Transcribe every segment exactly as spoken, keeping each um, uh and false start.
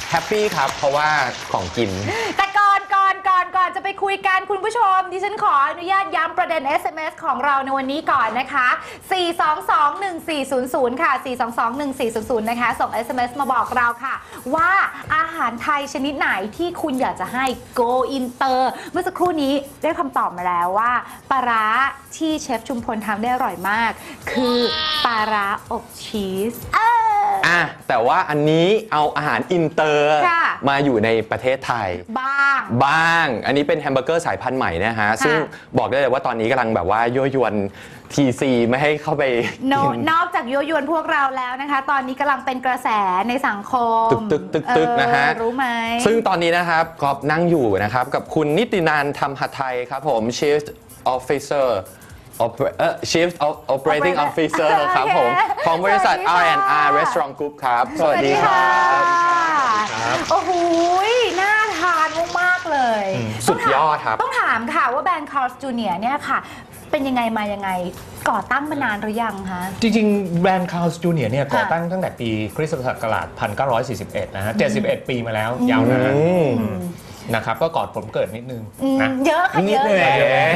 แฮปปี้ครับเพราะว่าของกินแต่ก่อนก่อนก่อนก่อนจะไปคุยกันคุณผู้ชมดิฉันขออนุญาตย้ำประเด็น เอส เอ็ม เอส ของเราในวันนี้ก่อนนะคะสี่ สอง สอง หนึ่ง สี่ ศูนย์ ศูนย์ค่ะสี่ สอง สอง หนึ่ง สี่ ศูนย์ ศูนย์นะคะส่ง เอส เอ็ม เอส มาบอกเราค่ะว่าอาหารไทยชนิดไหนที่คุณอยากจะให้ go inter เมื่อสักครู่นี้ได้คำตอบมาแล้วว่าปลาร้าที่เชฟชุมพลทำได้อร่อยมากคือปลาร้าอบชีสอ่ะแต่ว่าอันนี้เอาอาหารอินเตอร์มาอยู่ในประเทศไทยบ้างบ้างอันนี้เป็นแฮมเบอร์เกอร์สายพันธุ์ใหม่นะฮะซึ่งบอกได้เลยว่าตอนนี้กำลังแบบว่ายั่วยวนทีซีไม่ให้เข้าไป no, นอกจากยั่วยวนพวกเราแล้วนะคะตอนนี้กำลังเป็นกระแสในสังคมตึกตึกตึกตึกนะฮะรู้ไหมซึ่งตอนนี้นะครับกอบนั่งอยู่นะครับกับคุณนิตินันท์ธรรมหทัยครับผม Chief Officer Chief Operating Officer ครับผมของบริษัท อาร์ แอนด์ อาร์ Restaurant Group ครับสวัสดีครับโอ้โหน่าทานมากๆเลยสุดยอดครับต้องถามค่ะว่าแบรนด์ Carl's จูเนียร์ เนี่ยค่ะเป็นยังไงมายังไงก่อตั้งมานานหรือยังคะจริงๆแบรนด์ Carl's จูเนียร์ เนี่ยก่อตั้งตั้งแต่ปีคริสตศักราชหนึ่งพันเก้าร้อยสี่สิบเอ็ดนะฮะเจ็ดสิบเอ็ดปีมาแล้วยาวนานนะครับก็ก่อนผมเกิดนิดนึงนะเยอะค่ะเยอะเลย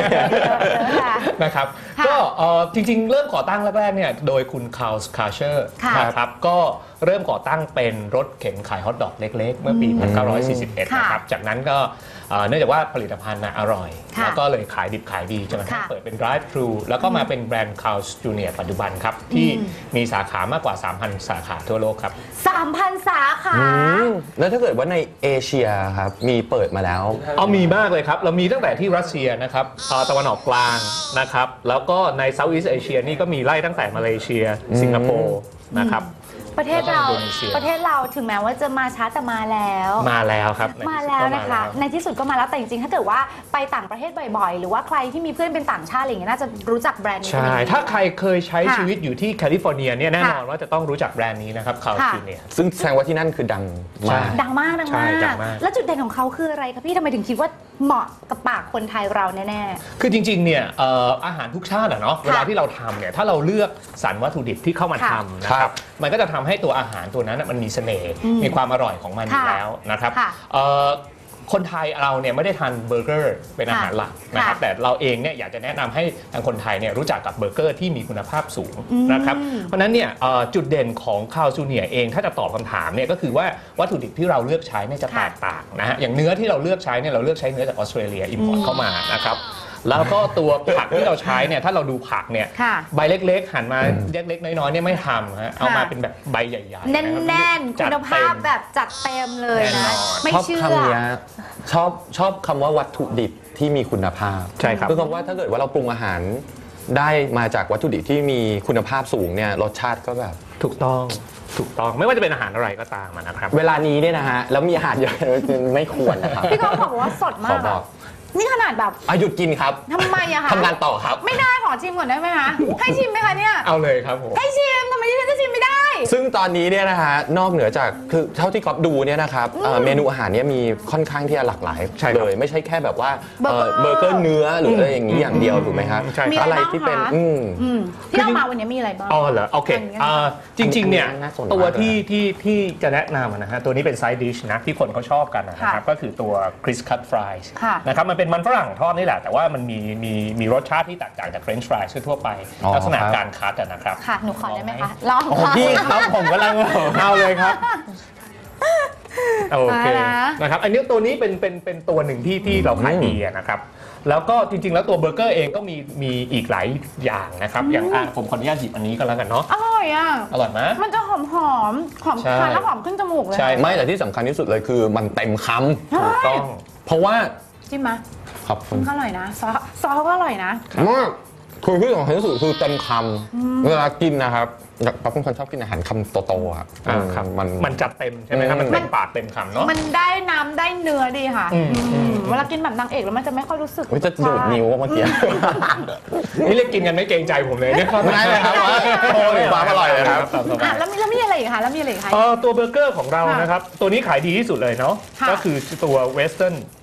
นะครับก็จริงๆเริ่มก่อตั้งแรกๆเนี่ยโดยคุณคาร์ลส์คาร์เชอร์นะครับก็เริ่มก่อตั้งเป็นรถเข็นขายฮอทดอกเล็กๆเมื่อปีหนึ่งพันเก้าร้อยสี่สิบเอ็ดนะครับจากนั้นก็เนื่องจากว่าผลิตภัณฑ์อร่อยแล้วก็เลยขายดิบขายดีจนกระทั่งเปิดเป็น drive thru แล้วก็มาเป็นแบรนด์ Carl's จูเนียร์ ปัจจุบันครับที่มีสาขามากกว่า สามพัน สาขาทั่วโลกครับสามพัน สาขาแล้วถ้าเกิดว่าในเอเชียครับมีเปิดมาแล้วเอามีมากเลยครับเรามีตั้งแต่ที่รัสเซียนะครับตะวันออกกลางนะครับแล้วก็ในเซาท์อีสต์เอเชียนี่ก็มีไล่ตั้งแต่มาเลเซียสิงคโปร์นะครับประเทศเราประเทศเราถึงแม้ว่าจะมาช้าแต่มาแล้วมาแล้วครับมาแล้วนะคะในที่สุดก็มาแล้วแต่จริงๆถ้าเกิดว่าไปต่างประเทศบ่อยๆหรือว่าใครที่มีเพื่อนเป็นต่างชาติอะไรอย่างเงี้ยน่าจะรู้จักแบรนด์นี้ใช่ถ้าใครเคยใช้ชีวิตอยู่ที่แคลิฟอร์เนียเนี่ยแน่นอนว่าจะต้องรู้จักแบรนด์นี้นะครับคาร์ลส์จูเนียร์ซึ่งแสดงว่าที่นั่นคือดังมากดังมากดังมากแล้วจุดเด่นของเขาคืออะไรคะพี่ทำไมถึงคิดว่าเหมาะกับปากคนไทยเราแน่ๆคือจริงๆเนี่ยอาหารทุกชาติอะเนาะเวลาที่เราทำเนี่ยถ้าเราเลือกสรรวัตถุดิบที่เข้ามาทำนะครับมันก็จะทำให้ตัวอาหารตัวนั้นมันมีเสน่ห์มีความอร่อยของมันอยู่แล้วนะครับคนไทยเราเนี่ยไม่ได้ทานเบอร์เกอร์เป็นอาหารหลักนะครับแต่เราเองเนี่ยอยากจะแนะนำให้ทางคนไทยเนี่ยรู้จักกับเบอร์เกอร์ที่มีคุณภาพสูงนะครับเพราะนั้นเนี่ยจุดเด่นของคาร์ลส์จูเนียร์เองถ้าจะตอบคำถามเนี่ยก็คือว่าวัตถุดิบที่เราเลือกใช้เนี่ยจะแตกต่างนะฮะอย่างเนื้อที่เราเลือกใช้เนี่ยเราเลือกใช้เนื้อจากออสเตรเลียอิมพอร์ตเข้ามานะครับแล้วก็ตัวผักที่เราใช้เนี่ยถ้าเราดูผักเนี่ยใบเล็กๆหั่นมาเล็กๆน้อยๆเนี่ยไม่ทำฮะเอามาเป็นแบบใบใหญ่ๆแน่นๆคุณภาพแบบจัดเต็มเลยนะไม่เชื่อชอบคำนี้ชอบชอบคำว่าวัตถุดิบที่มีคุณภาพใช่ครับคือคำว่าถ้าเกิดว่าเราปรุงอาหารได้มาจากวัตถุดิบที่มีคุณภาพสูงเนี่ยรสชาติก็แบบถูกต้องถูกต้องไม่ว่าจะเป็นอาหารอะไรก็ตามนะครับเวลานี้เนี่ยนะฮะแล้วมีอาหารเยอะไม่ควรนะครับพี่ก็บอกว่าสดมากนี่ขนาดแบบหยุดกินครับทำไมอะคะทำงานต่อครับไม่ได้ขอชิมก่อนได้ไหมคะให้ชิมไหมคะเนี่ยเอาเลยครับผมให้ชิมทำไมที่ฉันจะชิมไม่ได้ซึ่งตอนนี้เนี่ยนะฮะนอกเหนือจากคือเท่าที่ก๊อฟดูเนี่ยนะครับเมนูอาหารเนี่ยมีค่อนข้างที่จะหลากหลายเลยไม่ใช่แค่แบบว่าเบอร์เกอร์เนื้อหรืออะไรอย่างนี้อย่างเดียวถูกไหมครับอะไรที่เป็นที่เรามาวันนี้มีอะไรบ้างอ๋อเหรอโอเคจริงๆเนี่ยตัวที่ที่ที่จะแนะนำนะฮะตัวนี้เป็นไซด์ดิชนะที่คนเขาชอบกันนะครับก็คือตัวคริสคัตฟรายส์นะครับมันเป็นมันฝรั่งทอดนี่แหละแต่ว่ามันมีมีมีรสชาติที่แตกต่างจากเฟรนช์ฟรายทั่วไปลักษณะการคัตนะครับค่ะหนูขอได้ไหมคะลองพี่ครับผมกำลังเอาเลยครับโอเคนะครับอันนี้ตัวนี้เป็นเป็นเป็นตัวหนึ่งที่ที่เราขายดีนะครับแล้วก็จริงๆแล้วตัวเบอร์เกอร์เองก็มีมีอีกหลายอย่างนะครับอย่างผมขออนุญาตหยิบอันนี้ก็แล้วกันเนาะอร่อยอ่ะอร่อยไหมมันจะหอมหอมหอมทานแล้วหอมขึ้นจมูกเลยใช่ไม่แต่ที่สำคัญที่สุดเลยคือมันเต็มคำถูกต้องเพราะว่าจิ้มไหมขอบคุณอร่อยนะซอสซอสก็อร่อยนะมากคือที่สำคัญที่สุดคือเต็มคำเวลากินนะครับป๊อปเป็นคนชอบกินอาหารคำโตๆครับมันมันจัดเต็มใช่ไหมครับมันเต็มปากเต็มคำเนาะมันได้น้ำได้เนื้อดีค่ะเวลากินแบบนางเอกแล้วมันจะไม่ค่อยรู้สึกจะดูดนิ้วเมื่อกี้นี่เรียกกินกันไม่เกรงใจผมเลยเนี่ยไม่เลยครับว่าโอ้ยความอร่อยเลยครับแล้วมีแล้วมีอะไรอีกคะแล้วมีอะไรอีกคะตัวเบอร์เกอร์ของเรานะครับตัวนี้ขายดีที่สุดเลยเนาะก็คือตัวเวสเทิร์น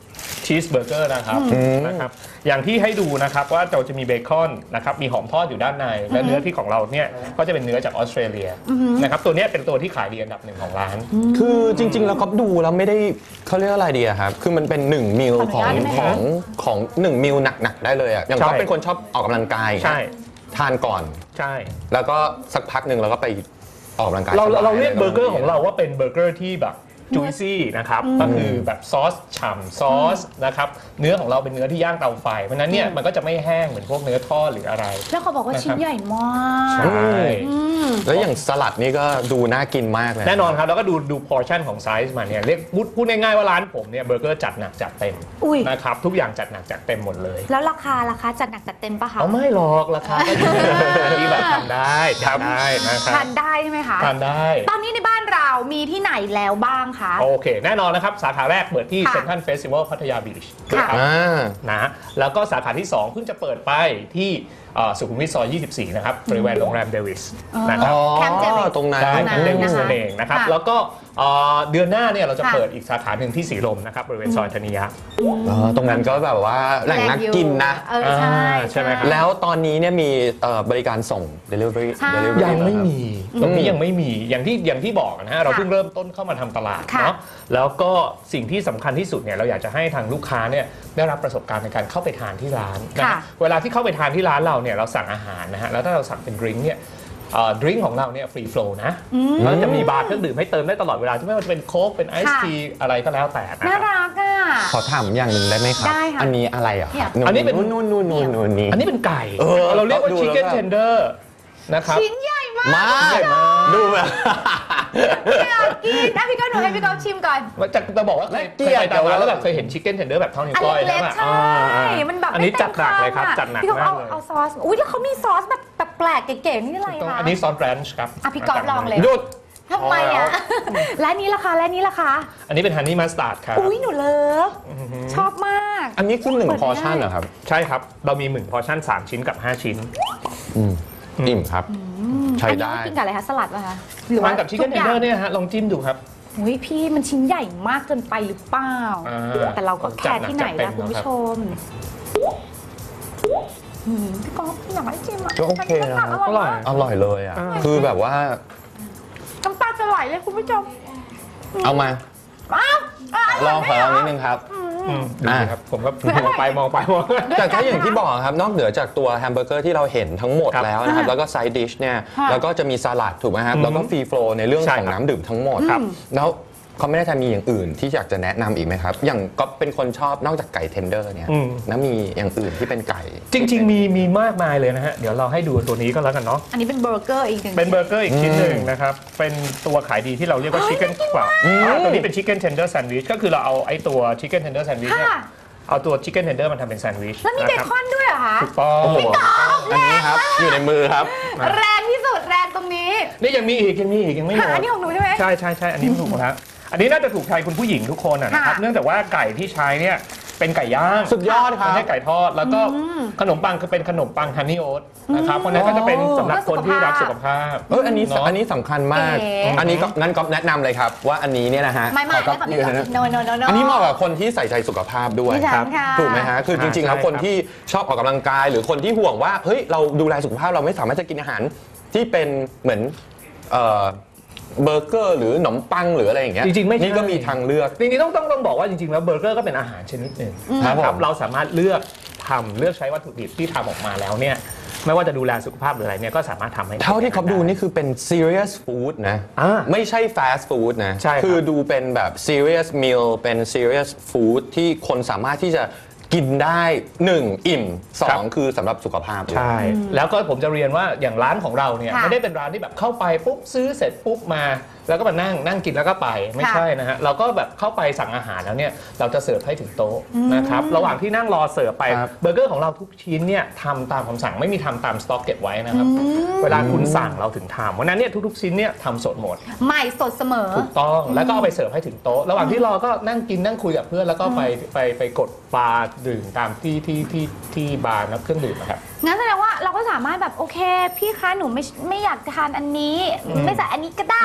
ชีสเบอร์เกอร์นะครับนะครับอย่างที่ให้ดูนะครับว่าเราจะมีเบคอนนะครับมีหอมทอดอยู่ด้านในและเนื้อที่ของเราเนี่ยก็จะเป็นเนื้อจากออสเตรเลียนะครับตัวนี้เป็นตัวที่ขายดีอันดับหนึ่งของร้านคือจริงๆแล้วก็ดูแล้วไม่ได้เขาเรียกอะไรดีอะครับคือมันเป็นหนึ่งมิลของของของหนึ่งมิลหนักๆได้เลยอะอย่างก็เป็นคนชอบออกกำลังกายใช่ทานก่อนใช่แล้วก็สักพักหนึ่งเราก็ไปออกกำลังกายเราเราเรียกเบอร์เกอร์ของเราว่าเป็นเบอร์เกอร์ที่แบบจุยซี่นะครับก็คือแบบซอสฉ่ำซอสนะครับเนื้อของเราเป็นเนื้อที่ย่างเตาไฟเพราะนั้นเนี่ยมันก็จะไม่แห้งเหมือนพวกเนื้อทอดหรืออะไรแล้วเขาบอกว่าชิ้นใหญ่มากใช่แล้วอย่างสลัดนี่ก็ดูน่ากินมากเลยแน่นอนครับแล้วก็ดูดูพอร์ชั่นของไซส์มันเนี่ยเรียกพูดง่ายๆว่าร้านผมเนี่ยเบอร์เกอร์จัดหนักจัดเต็มนะครับทุกอย่างจัดหนักจัดเต็มหมดเลยแล้วราคาราคาจัดหนักจัดเต็มปะคะเอาไม่หรอกราคาก็อยู่ที่แบบทำได้ทำได้นะครับทานได้ใช่ไหมคะทานได้ตอนนี้ในบ้านเรามีที่ไหนแล้วบ้างคะโอเคแน่นอนนะครับสาขาแรกเปิดที่เซ็นทรัลเฟสติวัลพัทยาบีชนะครับนะแล้วก็สาขาที่สองเพิ่งจะเปิดไปที่สุขุมวิทซอยยี่สิบสี่นะครับบริเวณโรงแรมเดวิสนะครับแคมป์เดวิสตรงนั้นใช่แคมป์เดวิสนั่นเองนะครับแล้วก็เดือนหน้าเนี่ยเราจะเปิดอีกสาขาหนึ่งที่สีลมนะครับบริเวณซอยธนิยะตรงนั้นก็แบบว่าแหล่งนักกินนะใช่ใช่ไหมครับแล้วตอนนี้เนี่ยมีบริการส่ง delivery ยังไม่มีตรงนี้ยังไม่มีอย่างที่อย่างที่บอกนะฮะเราเพิ่งเริ่มต้นเข้ามาทำตลาดเนาะแล้วก็สิ่งที่สำคัญที่สุดเนี่ยเราอยากจะให้ทางลูกค้าเนี่ยได้รับประสบการณ์ในการเข้าไปทานที่ร้านนะเวลาที่เข้าไปทานที่ร้านเราเนี่ยเราสั่งอาหารนะฮะแล้วถ้าเราสั่งเป็นดริงก์เนี่ยดริงก์ของเราเนี่ยฟรีโฟลว์นะแล้วจะมีบาร์เครื่องดื่มให้เติมได้ตลอดเวลาไม่ว่าจะเป็นโค้กเป็นไอซ์ทีอะไรก็แล้วแต่น่ารักอ่ะขอถามอย่างหนึ่งได้ไหมครับอันนี้อะไรอ่ะอันนี้เป็นนู่นนู่นนู่นนู่นนี่อันนี้เป็นไก่เราเรียกว่าชิคเก้นเทนเดอร์นะครับชิ้นใหญ่มากมากดูแบบอยากกินนะพี่ก้าวหนูให้พี่ก้าวชิมก่อนจะจะบอกว่าเคยไปตามร้านแล้วแบบเคยเห็นชิคเก้นเทนเดอร์แบบเท่านิ้วก้อยแล้วใช่มันแบบอันนี้จัดหนักเลยครับจัดหนักมากเลยเอาซอสอุ้ยแล้วเขามีซอสแบบแปลกๆเก๋ๆนี่อะไรคะอันนี้ซอสแรนช์ครับอ่ะพี่ก้าวลองเลยหยุดทำไมอ่ะและนี้ราคาและนี้ราคาอันนี้เป็นฮันนี่มัสตาร์ดครับอุ้ยหนูเลิฟชอบมากอันนี้คือหนึ่งพอร์ชั่นเหรอครับใช่ครับเรามีหนึ่งพอร์ชั่นสามชิ้นกับห้าชิ้นอิ่มครับใช้ได้กินกับอะไรคะสลัดป่ะคะหรือว่ากับชิคเก้นเทนเดอร์เนี่ยฮะลองจิ้มดูครับอุ้ยพี่มันชิ้นใหญ่มากเกินไปหรือเปล่าแต่เราก็แค่ที่ไหนนะคุณผู้ชมพี่ก๊อฟอยากให้ชิมอ่ะก็โอเคนะอร่อยอร่อยเลยอ่ะคือแบบว่าน้ำตาจะไหลเลยคุณผู้ชมเอามาลองขอลองนิดนึงครับอ่าครับผมก็มองไปมองไปมองแต่ถ้าอย่างที่บอกครับนอกเหนือจากตัวแฮมเบอร์เกอร์ที่เราเห็นทั้งหมดแล้วนะครับแล้วก็ไซด์ดิชเนี่ยแล้วก็จะมีสลัดถูกไหมครับแล้วก็ฟรีโฟลว์ในเรื่องของน้ำดื่มทั้งหมดครับแล้วเขาไม่ได้จะมีอย่างอื่นที่อยากจะแนะนำอีกไหมครับอย่างก็เป็นคนชอบนอกจากไก่เทนเดอร์เนี่ยแล้วมีอย่างอื่นที่เป็นไก่จริงๆมีมีมากมายเลยนะฮะเดี๋ยวเราให้ดูตัวนี้ก็แล้วกันเนาะอันนี้เป็นเบอร์เกอร์อีกหนึ่งเป็นเบอร์เกอร์อีกชิ้นหนึ่งนะครับเป็นตัวขายดีที่เราเรียกว่าชิคเก้นกว่าตัวนี้เป็นชิคเก้นเทนเดอร์แซนด์วิชก็คือเราเอาไอ้ตัวชิคเก้นเทนเดอร์แซนด์วิชเนี่ยเอาตัวชิคเก้นเทนเดอร์มันทำเป็นแซนด์วิชแล้วมีเบคอนด้วยเหรอคะถูกต้องอันนี้ครับอยู่ในมือครับแรงที่สุดแรงตรงนี้นี่ยังมีอีกยังมีอีกยังไม่หมดอันนี้ของหนูใช่ไหมใช่ใช่ใช่อันนี้ถูกหมดแล้วอันนี้น่าจะถูกใจคุณผู้หญิงทุกคนนะครับเนื่องจากว่าไก่ที่ใช้เนี่ยเป็นไก่ย่างสุดยอดครับไม่ใช่ไก่ทอดแล้วก็ขนมปังคือเป็นขนมปังฮันนี่โอ๊ตนะครับเพราะนั้นก็จะเป็นสำหรับคนที่รักสุขภาพเอออันนี้อันนี้สำคัญมากอันนี้ก็งั้นก็แนะนำเลยครับว่าอันนี้เนี่ยนะฮะไม่ไม่ไม่ไม่อันนี้เหมาะกับคนที่ใส่ใจสุขภาพด้วยครับถูกไหมฮะคือจริงๆแล้วคนที่ชอบออกกำลังกายหรือคนที่ห่วงว่าเฮ้ยเราดูแลสุขภาพเราไม่สามารถจะกินอาหารที่เป็นเหมือนเบอร์เกอร์หรือขนมปังหรืออะไรอย่างเงี้ยจริงๆไม่นี่ก็มีทางเลือกจริงๆต้องต้องต้องบอกว่าจริงๆแล้วเบอร์เกอร์ก็เป็นอาหารชนิดหนึ่งนะครับเราสามารถเลือกทำเลือกใช้วัตถุดิบที่ทำออกมาแล้วเนี่ยไม่ว่าจะดูแลสุขภาพหรืออะไรเนี่ยก็สามารถทำให้เท่าที่เขาดูนี่คือเป็น serious food นะไม่ใช่ fast food นะคือดูเป็นแบบ serious meal เป็น serious food ที่คนสามารถที่จะกินได้หนึ่งอิ่มสองคือสำหรับสุขภาพใช่แล้วก็ผมจะเรียนว่าอย่างร้านของเราเนี่ยไม่ได้เป็นร้านที่แบบเข้าไปปุ๊บซื้อเสร็จปุ๊บมาแล้วก็มานั่งนั่งกินแล้วก็ไปไม่ใช่นะฮะเราก็แบบเข้าไปสั่งอาหารแล้วเนี่ยเราจะเสิร์ฟให้ถึงโต๊ะนะครับระหว่างที่นั่งรอเสิร์ฟไปเบอร์เกอร์ของเราทุกชิ้นเนี่ยทำตามคำสั่งไม่มีทำตามสต็อกเก็บไว้นะครับเวลาคุณสั่งเราถึงทำวันนั้นเนี่ยทุกๆชิ้นเนี่ยทำสดหมดใหม่สดเสมอถูกต้องแล้วก็เอาไปเสิร์ฟให้ถึงโต๊ะระหว่างที่รอก็นั่งกินนั่งคุยกับเพื่อนแล้วก็ไปไปไปกดบาร์ดื่มตามที่ที่ที่ที่บาร์นักเครื่องดื่มนะครับงั้นแสดงว่าเราก็สามารถแบบโอเคพี่คะหนูไม่ไม่อยากทานอันนี้ไม่ใส่อันนี้ก็ได้อะไรอย่างนี้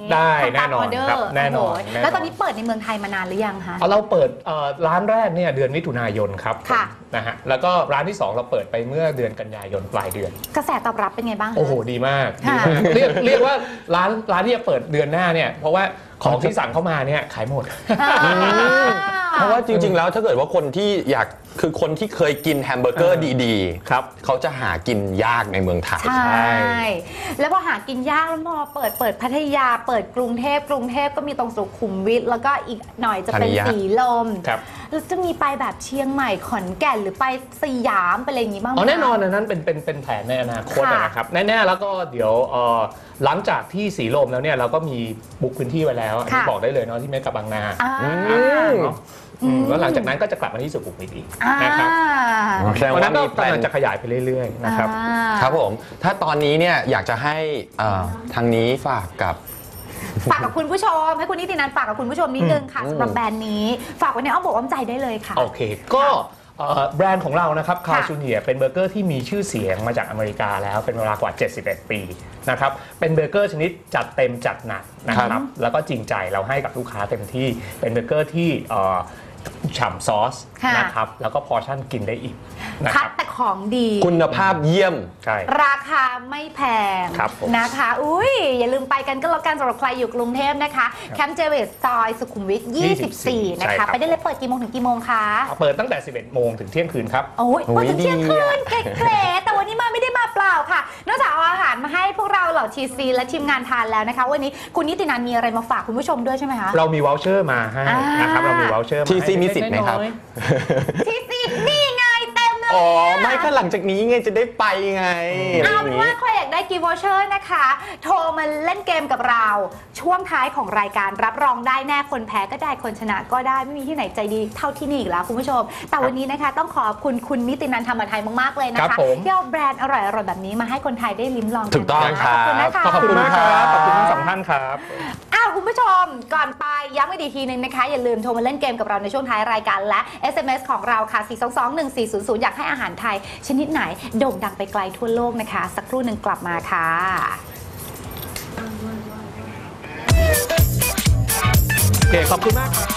ได้ทำแน่ตามนอนออเดอครับร์แน่นอนโโหแน่นอนแล้วตอนนี้เปิดในเมืองไทยมานานหรือยังคะเอาเราเปิดเอ่อร้านแรกเนี่ยเดือนมิถุนายนครับค่ะนะฮะแล้วก็ร้านที่สองเราเปิดไปเมื่อเดือนกันยายนปลายเดือนกระแสตอบรับเป็นไงบ้างคะโอ้โหดีมากดีค่ะมากเรียกเรียกว่าร้านร้านที่จะเปิดเดือนหน้าเนี่ยเพราะว่าของที่สั่งเข้ามาเนี่ยขายหมดอ่าเพราะว่าจริงๆ แล้วถ้าเกิดว่าคนที่อยากคือคนที่เคยกินแฮมเบอร์เกอร์ดีครับๆ เขาจะหากินยากในเมืองไทยใช่ แล้วพอหากินยากแล้วพอเปิดเปิดพัทยาเปิดกรุงเทพกรุงเทพก็มีตรงสุขุมวิทแล้วก็อีกหน่อยจะเป็นธัญญะสีลมครับแล้วจะมีไปแบบเชียงใหม่ขอนแก่นหรือไปสยามไปอะไรอย่างงี้บ้างไหมอ๋อแน่นอนคะอันนั้นเป็นเป็นเป็นแผนในอนาคตค่ะนะครับแน่ๆแล้วก็เดี๋ยวเอ่อหลังจากที่สีลมแล้วเนี่ยเราก็มีบุ๊กพื้นที่ไว้แล้วอันนี้ค่ะบอกได้เลยเนาะที่เมกะบางนาอ่าเนาะอืมแล้วหลังจากนั้นก็จะกลับมาที่สุขุมวิทอีกอ่านะครับแสดงเพราะฉะว่านั้นก็มีแพลกำลันงจะขยายไปเรื่อยๆนะครับอ่าครับผม ถ้าตอนนี้เนี่ยอยากจะให้เอ่อทางนี้ฝากกับฝากกับคุณผู้ชมให้คุณนิตินันท์ฝากกับคุณผู้ชมนิดนึงค่ะอืมสำหรับแบรนด์นี้ฝากไว้ในอ้อมอกอ้อมใจได้เลยค่ะโอเค ก็เอ่อแบรนด์ของเรานะครับคาค่ะชูเนียเป็นเบอร์เกอร์ที่มีชื่อเสียงมาจากอเมริกาแล้วเป็นเวลากว่า เจ็ดสิบเอ็ด ปีนะครับเป็นเบอร์เกอร์ชนิดจัดเต็มจัดหนักนะคครัรับบ แล้วก็จริงใจเราให้กับลูกค้าเต็มที่เป็นเบอร์เกอร์ที่เอ่อฉ่ำซอสค่ะนะครับแล้วก็พอร์ชั่นกินได้อีกนะคคัรัดบแต่ของดีคุณภาพเยี่ยมใช่ราคาไม่แพงครับผมนะคะ อุ้ยอย่าลืมไปกันก็แล้วกันสำหรับใครอยู่กรุงเทพนะคะ แคมป์เจเวตซอยสุขุมวิท ยี่สิบสี่ นะใช่ครัคะบไปได้เลยเปิดกี่โมงถึงกี่โมงคะเปิดตั้งแต่ สิบเอ็ด โมงถึงเที่ยงคืนครับโอ้ยโอ้ยเปิดถึงเที่ยงคืนดีอะเก๋ๆแต่วันนี้มาไม่ได้มาเปล่าค่ะ นอกจากเอาอาหารมาให้พวกเราเหล่าทีซีและทีมงานทานแล้วนะคะ วันนี้คุณนิตินันท์มีอะไรมาฝากคุณผู้ชมด้วยใช่ไหมคะเรามีวอลเชอร์มาให้อ่านนะครับเรามีวอลเชอร์มาทีให้ซีมีสิทธิ์ไหมครับเล็กๆน้อยทีซีนี่ไงเต็มเลยอ๋ออะไม่ก็หลังจากนี้ไงจะได้ไปไงเอาเป็นว่าย่งใครอยากได้กิฟต์วอเชอร์นะคะ โทรมาเล่นเกมกับเรา ช่วงท้ายของรายการรับรองได้แน่คนแพ้ก็ได้คนชนะก็ได้ไม่มีที่ไหนใจดีเท่าที่นี่อีกแล้วคุณผู้ชม แต่วันนี้นะคะต้องขอบคุณคุณนิตินันท์ธรรมไทยมากๆเลยนะครัคะบผมที่เอาแบรนด์อร่อยๆแบบนี้มาให้คนไทยได้ลิ้มลองกันถูกต้องนะะขอบคุณนะคะครับขอบคุณมากครับขอบคุณทั้งสองท่านครับอ้าวคุณผู้ชมก่อนไปย้ำอีกทีนึงนะคะ อย่าลืมโทรมาเล่นเกมกับเราในช่วงท้ายรายการและ เอส เอ็ม เอส ของเราค่ะ สี่ สอง สอง หนึ่ง สี่ ศูนย์ ศูนย์ อยากให้อาหารไทย ชนิดไหนโด่งดังไปไกลทั่วโลกนะคะ สักครู่หนึ่งกลับมาค่ะโอเค ขอบคุณมากครับ